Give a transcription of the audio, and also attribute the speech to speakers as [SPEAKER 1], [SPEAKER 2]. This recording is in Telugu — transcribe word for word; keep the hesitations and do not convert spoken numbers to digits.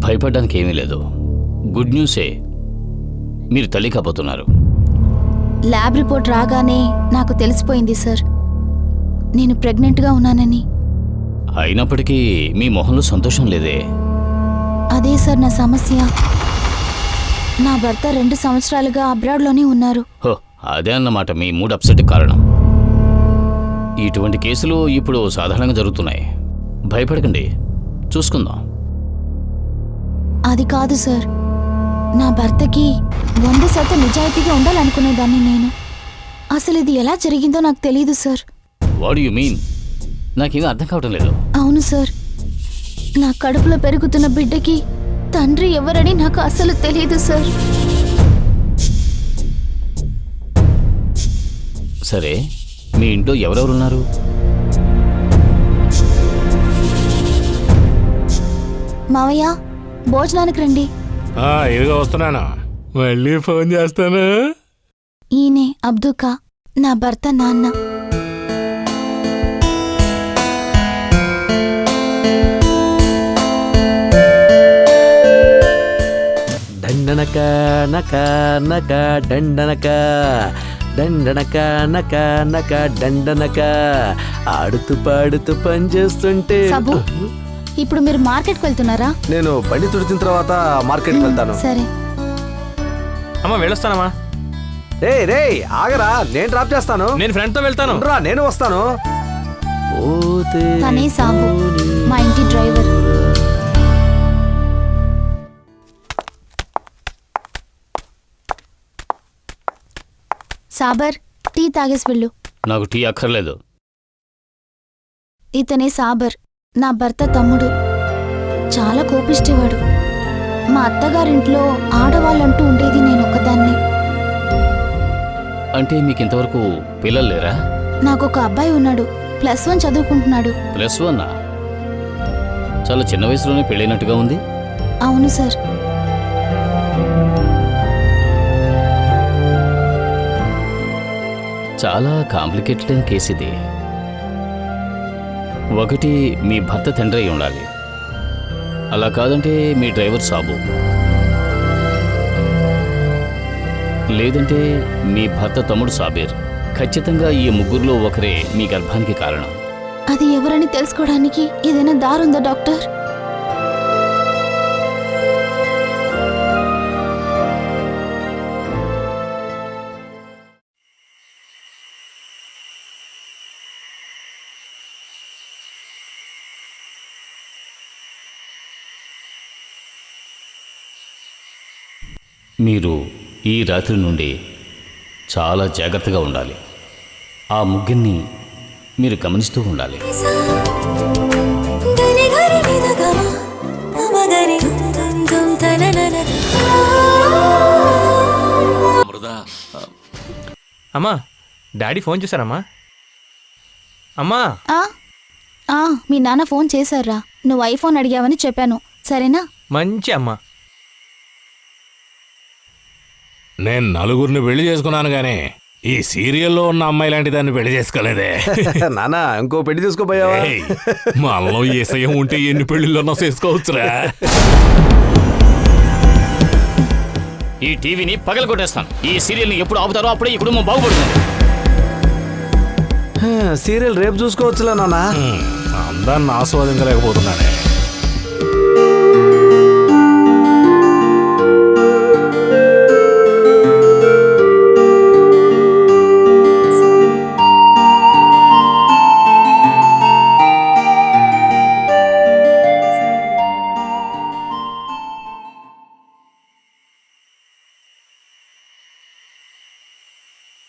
[SPEAKER 1] భయపడడానికి ఏమీ లేదు. గుడ్ న్యూసే, మీరు తల్లి కాబోతున్నారు.
[SPEAKER 2] ల్యాబ్ రిపోర్ట్ రాగానే నాకు తెలిసిపోయింది సార్, నేను ప్రెగ్నెంట్గా ఉన్నానని.
[SPEAKER 1] అయినప్పటికీ మీ మొహంలో సంతోషం లేదే.
[SPEAKER 2] అదే సార్ నా సమస్య. నా భర్త రెండు సంవత్సరాలుగా అబ్రాడ్లోనే ఉన్నారు.
[SPEAKER 1] హో, అదే అన్నమాట మీ మూడ్ అప్సెట్ కారణం. ఇటువంటి కేసులు ఇప్పుడు సాధారణంగా జరుగుతున్నాయి. భయపడకండి, చూసుకుందాం.
[SPEAKER 2] అది కాదు సార్, నా భర్తకి వంద శాతం నిజాయితీగా ఉండాలనుకునేదాన్ని నేను. అసలు ఇది ఎలా జరిగిందో నాకు తెలియదు సార్.
[SPEAKER 1] What you mean? నాకేమీ అర్థం కావటం లేదు.
[SPEAKER 2] అవును సార్, నా కడుపులో పెరుగుతున్న బిడ్డకి తండ్రి ఎవరని నాకు అసలు తెలియదు సార్.
[SPEAKER 1] సరే, మీ ఇంట్లో ఎవరెవరున్నారు?
[SPEAKER 2] మావయ్య, భోజనానికి రండి.
[SPEAKER 3] ఇదిగా వస్తున్నాను, మళ్ళీ ఫోన్ చేస్తాను.
[SPEAKER 2] ఈయనే అబ్దుకా, నా భర్త నాన్న.
[SPEAKER 4] దండనక నక నక దండనక దండనక నక నక దండనక ఆడుతూ పాడుతూ పని చేస్తుంటే.
[SPEAKER 2] సబు, ఇప్పుడు మీరు మార్కెట్కి వెళ్తున్నారా?
[SPEAKER 4] నేను బండి తుడిచిన తర్వాత మార్కెట్కి వెళ్తాను.
[SPEAKER 2] సరే.
[SPEAKER 3] అమ్మా వెళ్ళొస్తానమ్మా.
[SPEAKER 4] రే రే ఆగరా, నేను డ్రాప్ చేస్తాను.
[SPEAKER 3] నేను ఫ్రెండ్ తో వెళ్తాను.
[SPEAKER 4] రా, నేను వస్తాను.
[SPEAKER 2] తనే సాబు, మా ఇంటి డ్రైవర్. సాబర్, టీ తాగేసి వెళ్ళు.
[SPEAKER 1] నాకు టీ అక్కర్లేదు.
[SPEAKER 2] ఇతనే సాబర్, నా భర్త తమ్ముడు. చాలా కోపిష్టేవాడు. మా అత్తగారింట్లో ఆడవాళ్ళంటూ ఉండేది నేను ఒక్కదాన్నే.
[SPEAKER 1] అంటే మీకు ఇంతవరకు పిల్లలు లేరా?
[SPEAKER 2] నాకొక అబ్బాయి ఉన్నాడు, ప్లస్ వన్ చదువుకుంటున్నాడు.
[SPEAKER 1] Plus one? చాలా చిన్న వయసులోనే పెళ్ళైనట్టుగా ఉంది.
[SPEAKER 2] అవును సార్.
[SPEAKER 1] చాలా కాంప్లికేటెడ్ అయిన కేసు ఇది. ఒకటి, మీ భర్త తండ్రి అయి ఉండాలి. అలా కాదంటే మీ డ్రైవర్ సాబు, లేదంటే మీ భర్త తమ్ముడు సాబీర్. ఖచ్చితంగా ఈ ముగ్గురులో ఒకరే మీ గర్భానికి కారణం.
[SPEAKER 2] అది ఎవరని తెలుసుకోవడానికి ఏదైనా దారుందా డాక్టర్?
[SPEAKER 1] మీరు ఈ రాత్రి నుండి చాలా జాగ్రత్తగా ఉండాలి. ఆ ముగ్గురిని మీరు గమనిస్తూ ఉండాలి.
[SPEAKER 3] అమ్మా, డాడీ ఫోన్ చేశారమ్మా. అమ్మా,
[SPEAKER 2] ఆ ఆ మీ నాన్న ఫోన్ చేశారా? నువ్వు ఐఫోన్ అడిగావని చెప్పాను, సరేనా?
[SPEAKER 3] మంచి అమ్మా.
[SPEAKER 5] నేను నలుగురిని పెళ్లి చేసుకున్నాను గానీ ఈ సీరియల్లో ఉన్న అమ్మాయి లాంటి దాన్ని పెళ్లి చేసుకోలేదే.
[SPEAKER 4] నానా, ఇంకో పెళ్లి చేసుకోపోయావా?
[SPEAKER 5] మనలో ఏసయం ఉంటే ఎన్ని పెళ్లిళ్ళన్నా చేసుకోవచ్చురా.
[SPEAKER 1] ఈ టీవీని పగల కొట్టేస్తాను. ఈ సీరియల్ని ఎప్పుడు ఆపుతారో అప్పుడే ఈ కుటుంబం బాగుపడుతుంది.
[SPEAKER 4] సీరియల్ రేపు చూసుకోవచ్చులే నాన్న.
[SPEAKER 5] అందాన్ని ఆస్వాదించలేకపోతున్నానే.